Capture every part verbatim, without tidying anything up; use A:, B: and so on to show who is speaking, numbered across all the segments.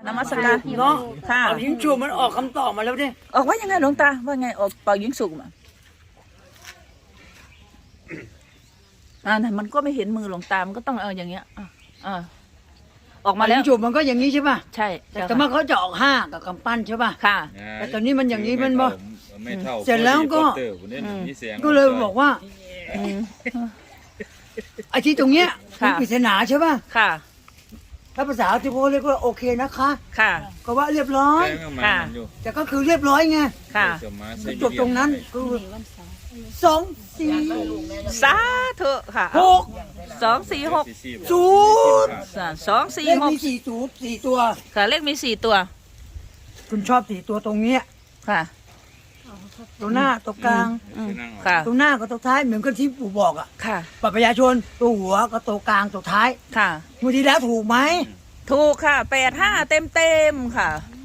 A: นมัสการเนาะค่ะ
B: เป่ายิงฉุบมันออกคำตอบมาแล้วเนี่ย
A: ออกว่ายังไงหลวงตาว่าไงออกเป่ายิงสุกมาอ่ามันก็ไม่เห็นมือหลวงตามันก็ต้องเอาอย่างเงี้ยอ่าอ่าออกมาแล้ว
B: ยิงฉุบมันก็อย่างนี้ใช่ป่ะ
A: ใช่
B: แต่เมื่อเขาจะออกห้ากับกำปั้นใช่ป่ะ
A: ค่ะ
B: แต่ตอนนี้มันอย่างนี้มันบ่
C: ไม่เท่า
B: เสร็จแล้วก็ก็เลยบอกว่าไอ้ที่ตรงเนี้ยมันปริศนาใช่ป่ะ
A: ค่ะ
B: ถ้าภาษาที่เขาเรียกว่าโอเคนะคะ
A: ค่ะ
B: ก็ว่าเรียบร้อย
A: ค่ะ
B: แต่ก็คือเรียบร้อยไง
A: ค่ะ
B: จบตรงนั้นคือสองสี่
A: สาธุค่ะ
B: หก
A: สองสี่หก
B: ศูนย์
A: สองสี่หก
B: เลขมีสี่ศูนย์สี่ตัว
A: ค่ะเลขมีสี่ตัว
B: คุณชอบสี่ตัวตรงเนี้ย
A: ค่ะ
B: ตัวหน้าตัวกลาง
A: ค่ะ
B: ตัวหน้ากับตัวท้ายเหมือนกับที่ปู่บอกอ่ะ
A: ค่ะ
B: บัตรประชาชนตัวหัวกับตัวกลางตัวท้าย
A: ค่ะ
B: เมื่อทีแล้วถูกไหม
A: ถูกค่ะแปดห้าเต็มเต็มค่ะ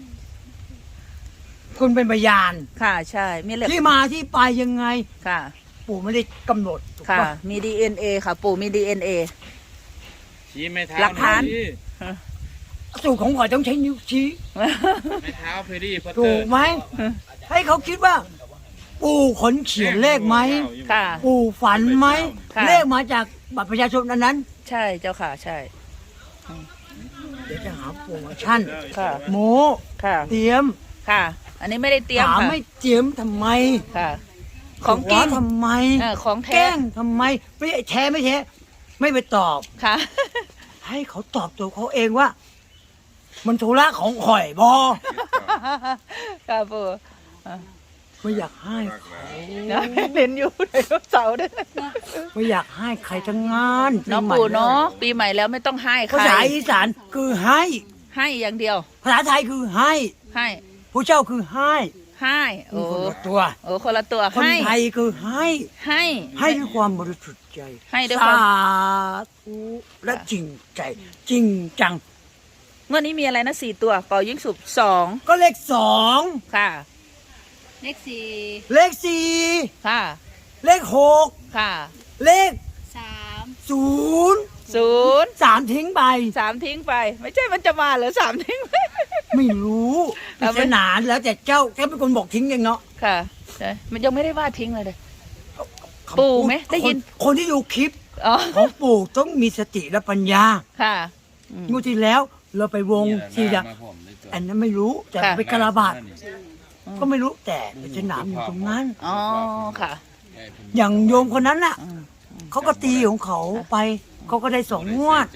B: คุณเป็นพยาน
A: ค่ะใช่มีเลข
B: ที่มาที่ไปยังไง
A: ค่ะ
B: ปู่ไม่ได้กำหนด
A: ค่ะมีดีเอ็นเอค่ะปู่มีดีเอ็นเอ
C: ชี้ไม่เท้า
A: หลักฐาน
B: สูตรของข่อยต้องใช้นิ้วชี้
C: ไม่เท้าเพอรี่
B: ถูกไหมให้เขาคิดว่าปู่ขนเขียนเลขไหม
A: ค่ะ
B: ปู่ฝันไหมเลขมาจากบัตรประชาชนอันนั้น
A: ใช่เจ้าค่ะใช่
B: เดี๋ยวจะหาโปรโมชั่น
A: ค่ะ
B: โม
A: ค่ะ
B: เตรียม
A: ค่ะอันนี้ไม่ได้เตรียมค่ะ
B: ไม่เตรียมทำไม
A: ค่ะของกิน
B: ทำไม
A: ของแท้
B: แกล้งทำไมไม่แท้ไม่แท้ไม่ไปตอบ
A: ค่ะ
B: ให้เขาตอบตัวเขาเองว่ามันธุระของข่อยบอ
A: ค่ะปู่
B: ไม่อยากให้
A: เล่นอยู่ในเสาด้วย
B: ไม่อยากให้ใครทั้งงาน
A: น้องปู่เนาะปีใหม่แล้วไม่ต้องให้ใคร
B: ภาษาอีสานคือให้
A: ให้อย่างเดียว
B: ภาษาไทยคือให้
A: ให้
B: ผู้เจ้าคือให้
A: ให้โอ้
B: คนละตัว
A: โอ้คนละตัว
B: คนไทยคือให้
A: ให้
B: ให้ด้วยความบริสุทธิ์ใจ
A: ให้ด้วยความ
B: สาธุและจริงใจจริงจัง
A: เมื่อนี้มีอะไรนะสี่ตัวเป่ายิงสุบสอง
B: ก็เลขสอง
A: ค่ะ
D: เลขสี่
B: เลขสี่
A: ค่ะ
B: เลขหก
A: ค่ะ
B: เลข
D: สาม
B: ศูนย์
A: ศูนย์
B: สามทิ้งไป
A: สามทิ้งไปไม่ใช่มันจะมาเหรอสามทิ้งไป
B: ไม่รู้ปริศนาแล้วแต่เจ้าแค่เป็นคนบอกทิ้งเองเนาะ
A: ค่ะใช่มันยังไม่ได้ว่าทิ้งเลยเลยปู่ไหมได้ยิน
B: คนที่ดูคลิปของปู่ต้องมีสติและปัญญา
A: ค่ะ
B: งวดที่แล้วเราไปวงทีละอันนั้นไม่รู้แต่ไปกระบาดก็ไม่รู้แต่ปริศนาอยู่ตรงนั้น
A: อ๋อค่ะ
B: อย่างโยมคนนั้นน่ะเขาก็ตีของเขาไปเขาก็ได้สองงวด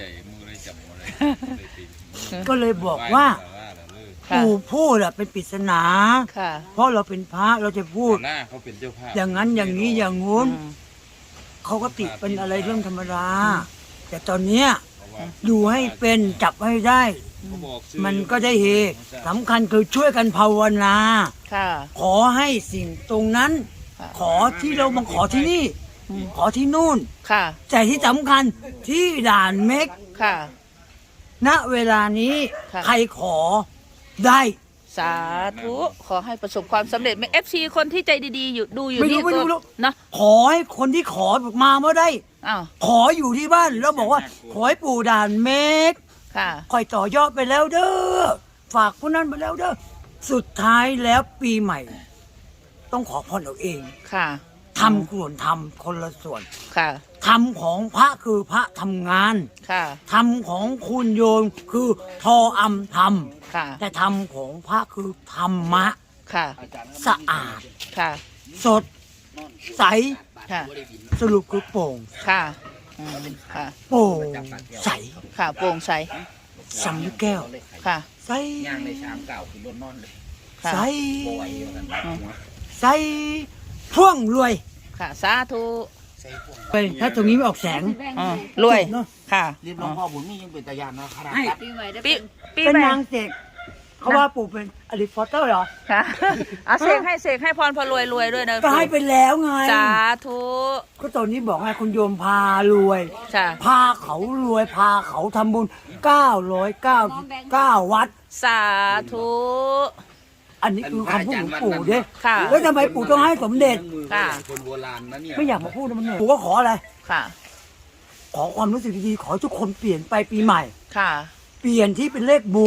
B: ก็เลยบอกว่าปู่พูดอะเป็นปริศนาเพราะเราเป็นพระเราจะพูดอย่างนั้นอย่างนี้อย่างงู้นเขาก็ติดเป็นอะไรเรื่องธรรมดาแต่ตอนเนี้ยดูให้เป็นจับให้ได้มันก็ได้เฮสำคัญคือช่วยกันภาวนาขอให้สิ่งตรงนั้นขอที่เรามาขอที่นี่ขอที่นู่นแต่ที่สำคัญที่ด่านเม็กณเวลานี้ใครขอได้
A: สาธุขอให้ประสบความสำเร็จไหมเอฟซีคนที่ใจดีๆอยู่ดูอยู่นี่ก็นะ
B: ขอให้คนที่ขอมาเมื่อได้ขออยู่ที่บ้านแล้วบอกว่าขอให้ปู่ด่านเม็กคอยต่อยอดไปแล้วเด้อฝากผู้นั้นไปแล้วเด้อสุดท้ายแล้วปีใหม่ต้องขอพรเอาเอง
A: ค่ะ
B: ทำควรทำคนละส่วน
A: ค่ะ
B: ทำของพระคือพระทำงาน
A: ค่ะ
B: ทำของคุณโยมคือทออำทำ
A: ค่ะ
B: แต่ทำของพระคือธรรมะ
A: ค่ะ
B: สะอาด
A: ค่ะ
B: สดใส
A: ค่ะ
B: สรุปคือโปร่ง
A: ค่ะค่ะ
B: โปร่งใส
A: ค่ะโปร่งใส
B: สำแก้ว
A: ค่ะ
B: ใส
C: ย่างในชามเก่าคือรถนอนเลย
B: ใสใสพ่วงรวย
A: ค่ะสาธุ
B: ไปถ้าตรงนี้ไม่ออกแสง
A: รวยค่ะ
C: เรียบร้อยพ่อบุญนี่ยังเป็นตายานนะครับ
D: ปีใหม่ได้
A: ปีปี
B: เป็นนางเสกเขาว่าปู่เป็นอลิฟอเตอร์เหรอ
A: ค่ะอาเสกให้เสกให้พรพอรวยรวยด้วยนะ
B: ก็ให้ไปแล้วไง
A: สาธุ
B: ก็ตอนนี้บอกให้คุณโยมพารวยพาเขารวยพาเขาทำบุญเก้าร้อยเก้าเก้าวัด
A: สาธุ
B: อันนี้คือคำพูดของปู่เด้แล้วทำไมปู่ต้องให้สมเด็จ
C: คนโบราณนะเนี่ย
B: ไม่อยากมาพูดมันเหนื่อยปู่ก็ขออะไร
A: ค่ะ
B: ขอความรู้สึกดีๆขอทุกคนเปลี่ยนไปปีใหม่
A: ค่ะ
B: เปลี่ยนที่เป็นเลขบวก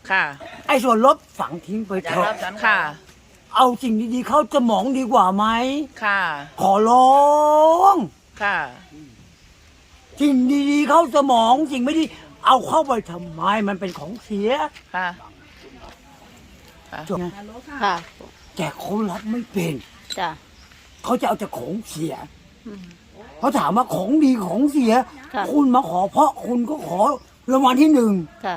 A: ค่ะ
B: ไอ้ส่วนลบฝังทิ้งไปเถอะ
A: ค่ะ
B: เอาสิ่งดีๆเข้าสมองดีกว่าไหม
A: ค่ะ
B: ขอร้อง
A: ค่ะ
B: สิ่งดีๆเข้าสมองสิ่งไม่ดีเอาเข้าไปทำไมมันเป็นของเสีย
A: ค่ะ ค่ะ
B: จบไง
D: ค่ะ
B: แต่เขารับไม่เป็น
D: จ้ะ
B: เขาจะเอาแต่ของเสียเขาถามว่าของดีของเสีย
D: ค่ะ
B: คุณมาขอเพราะคุณก็ขอรางวัลที่หนึ่ง
D: ค่ะ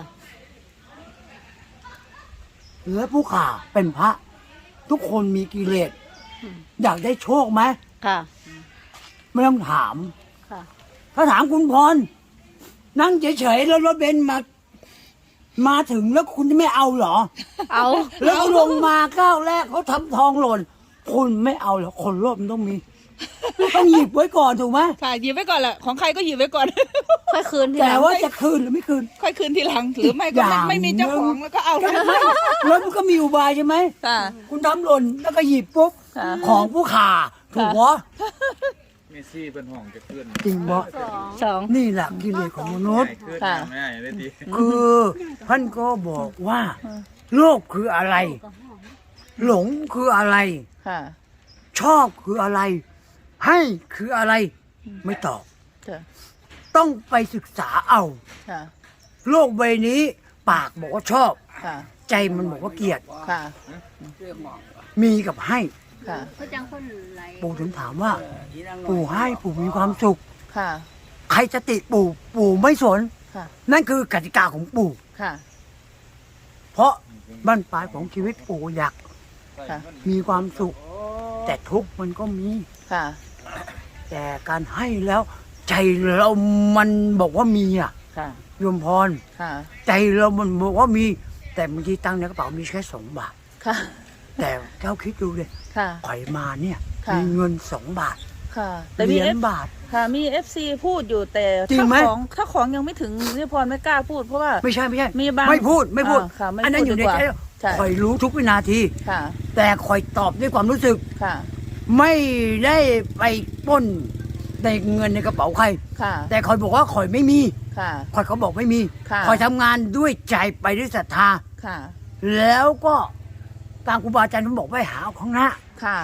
B: และผู้ข่าเป็นพระ ทุกคนมีกิเลสอยากได้โชคไหม
D: ค่ะ
B: ไม่ต้องถาม
D: ค่ะ
B: ถ้าถามคุณพร นั่งเฉยๆแล้วรถเบนซ์มา มาถึงแล้วคุณจะไม่เอาเหรอ
D: เอา
B: แล้วลงมาก้าวแรกเขาทำทองหล่น คุณไม่เอาเหรอคนโลภมันต้องมี ต้องหยิบไว้ก่อนถูกไหม
A: ค่ะหยิบไว้ก่อนแหละของใครก็หยิบไว้ก่อน
D: ค่อยคืนทีห
B: แต่
D: ลัง
B: ว่าจะคืนหรือไม่คืน
A: ค่อยคืนทีหลัง หรือไม่ก็
B: อ
A: ไม่
B: ย่าง
A: ไม่มีเจ้าของแล้วก็เอา
B: ก็ไม่แล้วมันก็มีอุบายใช่ไหม
A: ค่ะ
B: คุณทำหล่นแล้วก็หยิบปุ๊บ
A: ค่ะ
B: ของผู้ข่าถูกวะ
C: เมสซี่เป็นห้องจะขึ้น
B: จริงวะ
A: สอง
B: นี่แหละกิเลสของมนุษย์
C: ขึ้น
A: ค่ะ
C: ไม่ได้ได้ดี
B: คือท่านก็บอกว่า โลกคืออะไร หลงคืออะไร
A: ค่ะ
B: ชอบคืออะไร ให้คืออะไร ไม่ตอบ
A: ค่ะ
B: ต้องไปศึกษาเอา
A: ค่ะ
B: โลกใบนี้ ปากบอกว่าชอบ
A: ค่ะ
B: ใจมันบอกว่าเกลียด
A: ค่ะ
B: มีกับให้
A: ค่ะ
D: เขาจังคนไหล
B: ปู่ถึงถามว่า ปู่ให้ปู่มีความสุข
A: ค่ะ
B: ใครจะติปู่ปู่ไม่สน
A: ค่ะ
B: นั่นคือกติกาของปู่
A: ค่ะ
B: เพราะบ้านปลายของชีวิตปู่อยาก
A: ค่ะ
B: มีความสุข แต่ทุกข์มันก็มี
A: ค่ะ
B: แต่การให้แล้ว ใจเรามันบอกว่ามีอ่ะ
A: ค่ะ
B: โยมพร
A: ค่ะ
B: ใจเรามันบอกว่ามี แต่บางทีตังค์ในกระเป๋ามีแค่สองบาท
A: ค่ะ
B: แต่เจ้าคิดดูเลย
A: ค่ะ
B: ข่อยมาเนี่ย
A: ค่ะ
B: มีเงินสองบาท
A: ค่ะ
B: เห
A: แต่มี
B: รีย
A: เอ
B: ญ
A: ฟ
B: บาท
A: ค่ะ มีเอฟซีพูดอยู่แต่
B: จริง
A: ถ้า
B: ไหม
A: ของถ้าของยังไม่ถึงนี่พรไม่กล้าพูดเพราะว่า
B: ไม่ใช่ไม่ใช่
A: มีบาง
B: ไม่พูดไม่พูด
A: อ่าค่ะไม่
B: อันนั้น
A: พูด
B: อยู่ใน
A: ดีกว่า
B: ใจ
A: ใช่
B: ข่อยรู้ทุกวินาที
A: ค่ะ
B: แต่ข่อยตอบด้วยความรู้สึก
A: ค่ะ
B: ไม่ได้ไปปล้นในเงินในกระเป๋าใคร
A: ค่ะ
B: แต่ข่อยบอกว่าข่อยไม่มี
A: ค่ะ
B: ข่อยเขาบอกไม่มี
A: ค่ะ
B: ข่อยทำงานด้วยใจไปด้วยศรัทธา
A: ค่ะ
B: แล้วก็ตามครูบาอาจารย์ท่านบอกไปหาเอาข้างหน้า
A: ค่ะ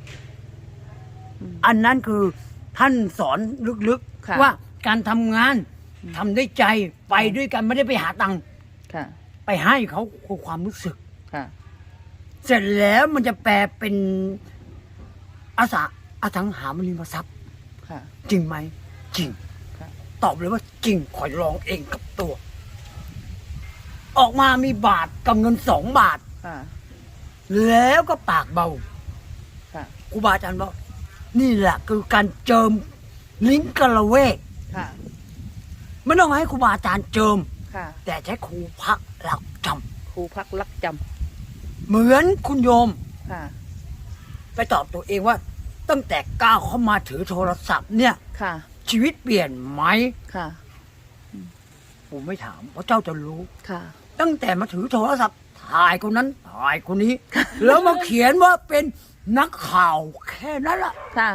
B: อันนั้นคือท่านสอนลึก
A: ค่ะ
B: ๆว่าการทำงานทำด้วยใจไปด้วยกันไม่ได้ไปหาตังค์
A: ค่ะ
B: ไปให้เขาคือความรู้สึก
A: ค่ะ
B: เสร็จแล้วมันจะแปลเป็นอาสาอสังหาริมทรัพย์
A: ค่ะ
B: จริงไหมจริง
A: ค่ะ
B: ตอบเลยว่าจริงขอยลองเองกับตัว ออกมามีบาทกับเงินสองบาท
A: ค่ะ
B: แล้วก็ปากเบา
A: ค่ะ
B: ครูบาอาจารย์บอกนี่แหละคือการเจิมลิ้นกระเวก
A: ค่ะ
B: ไม่ต้องให้ครูบาอาจารย์เจิม
A: ค่ะ
B: แต่ใช้ครูพักหลักจ
A: ครูพักรักจ
B: ำเหมือนคุณโยม
A: ำค่ะ
B: ไปตอบตัวเองว่า ตั้งแต่ก้าวเข้ามาถือโทรศัพท์เนี่ย
A: ค่ะ
B: ชีวิตเปลี่ยนไหม
A: ค่ะ
B: ผมไม่ถามเพราะเจ้าจะรู้
A: ค่ะ
B: ตั้งแต่มาถือโทรศัพท์ถ่ายคนนั้นถ่ายคนนี้ แล้วมาเขียนว่าเป็นนักข่าวแค่นั้นละ
A: ค่ะ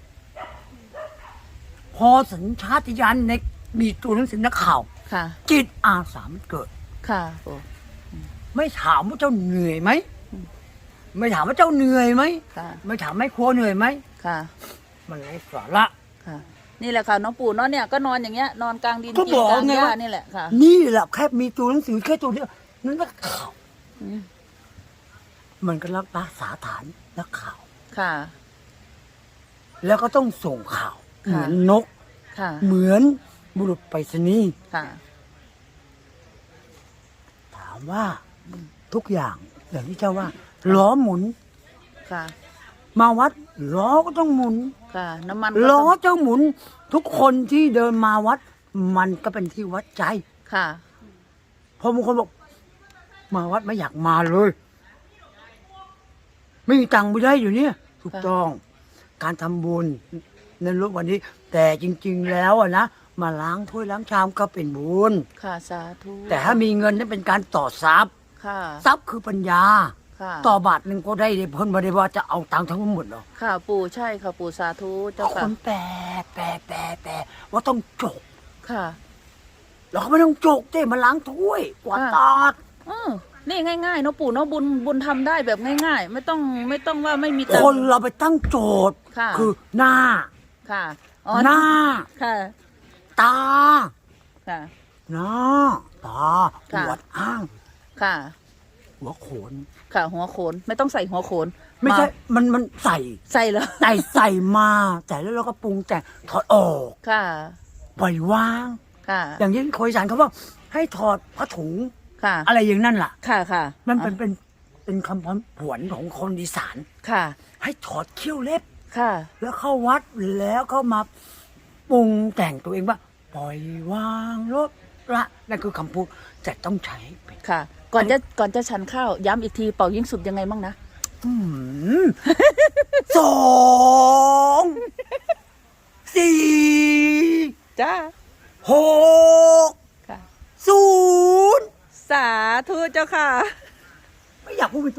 B: พอสัญชาตญาณในมีตัวหนังสือนักข่าว
A: ค่ะ
B: จิตอาสามันเกิด
A: ค่ะโอ้
B: ไม่ถามว่าเจ้าเหนื่อยไหมไม่ถามว่าเจ้าเหนื่อยไหม
A: ค่ะ
B: ไม่ถามแม่ครัวเหนื่อยไหม
A: ค่ะ
B: มันไร้สาระ
A: ค่ะ นี่แหละค่ะน้องปู่เนาะเนี่ยก็นอนอย่างเงี้ย นอนกลางดิน
B: ก็
A: กิ
B: บ
A: น
B: อก
A: กลาง
B: ไง
A: หญ้า
B: ว่า
A: นี่แหละค่ะ
B: นี่แหละแค่มีตัวหนังสือแค่ตัวเดียวนั่นนักข่าว
A: อืม
B: มันก็รักษาฐานนักข่าว
A: ค่ะ
B: แล้วก็ต้องส่งข่าว
A: ค่ะ
B: เหมือนนก
A: ค่ะ
B: เหมือนบุรุษไปรษณีย์
A: ค่ะ
B: ถามว่าทุกอย่างอย่างที่เจ้าว่าล้อหมุน
A: ค่ะ
B: มาวัดล้อก็ต้องหมุน
A: ค่ะ น้ำมันก็
B: ล้อ
A: ต้อง
B: เจ้าหมุน ทุกคนที่เดินมาวัด มันก็เป็นที่วัดใจ
A: ค่ะ
B: พอบางคนบอกมาวัดไม่อยากมาเลย ไม่มีตังค์ไม่ได้อยู่เนี่ยถูกต้อง การทำบุญในโลกวันนี้ แต่จริง ๆ แล้วอะนะมาล้างถ้วยล้างชามก็เป็นบุญ
A: ค่ะสาธุ
B: แต่ถ้ามีเงินนั่นเป็นการต่อทรัพย์
A: ค่ะ
B: ทรัพย์คือปัญญา
A: ค่ะ
B: ต่อบาทหนึ่งก็ได้เพิ่นไม่ได้ว่าจะเอาตังค์ทั้งหมดหรอก
A: ค่ะปู่ใช่ค่ะปู่สาธุเจ้า
B: ค
A: ค่ะ
B: นแปลแปลแปลแปลว่าต้องจก
A: ค่ะ
B: เราก็ไม่ต้องจกเจ้มาล้างถ้วยกวาด
A: ค่ะ
B: ตาด
A: เออนี่ง่ายๆเนาะปู่เนาะบุญบุญทำได้แบบง่ายๆ ไม่ต้องไม่ต้องว่าไม่มีตัง
B: คน
A: ค์
B: เราไปตั้งโจทย์
A: ค่ะ
B: คือหน้า
A: ค่ะอ๋อ
B: หน้า
A: ค่ะ
B: ตา
A: ค่ะ
B: หน้าตา
A: ค่ะ
B: หัวอ้าง
A: ค่ะ
B: หัวโขน
A: ค่ะ หัวโขนไม่ต้องใส่หัวโขน
B: ไม่ใช่
A: า
B: มันมันใส่
A: ใส่แล้ว
B: ใส่ใส่มาใส่แล้วเราก็ปรุงแต่งถอดออก
A: ค่ะ
B: ปล่อยวาง
A: ค่ะ
B: อย่างที่โคยสารเขาว่า ให้ถอดผ้าถุง
A: ค่ะ
B: อะไรอย่างนั้นล่ะ
A: ค่ะค่ะ
B: มันเป็นเป็นเป็นคำพผวนของคนอีสาน
A: ค่ะ
B: ให้ถอดเขี้ยวเล็บ
A: ค่ะ
B: แล้วเข้าวัดแล้วก็มาปรุงแต่งตัวเองว่า ปล่อยวางลดละนั่นคือคำพูดแต่ต้องใช้เป็น
A: ค่ะ ก่อนจะก่อนจะฉันข้าวย้ำอีกทีเป่ายิ่งสุดยังไงบ้างนะ
B: อืม สองสี่
A: จ้า
B: หก
A: ค่ะ
B: ศูนย์
A: สาธุเจ้าค่ะ
B: ไม่อยากพูดเป็นตัว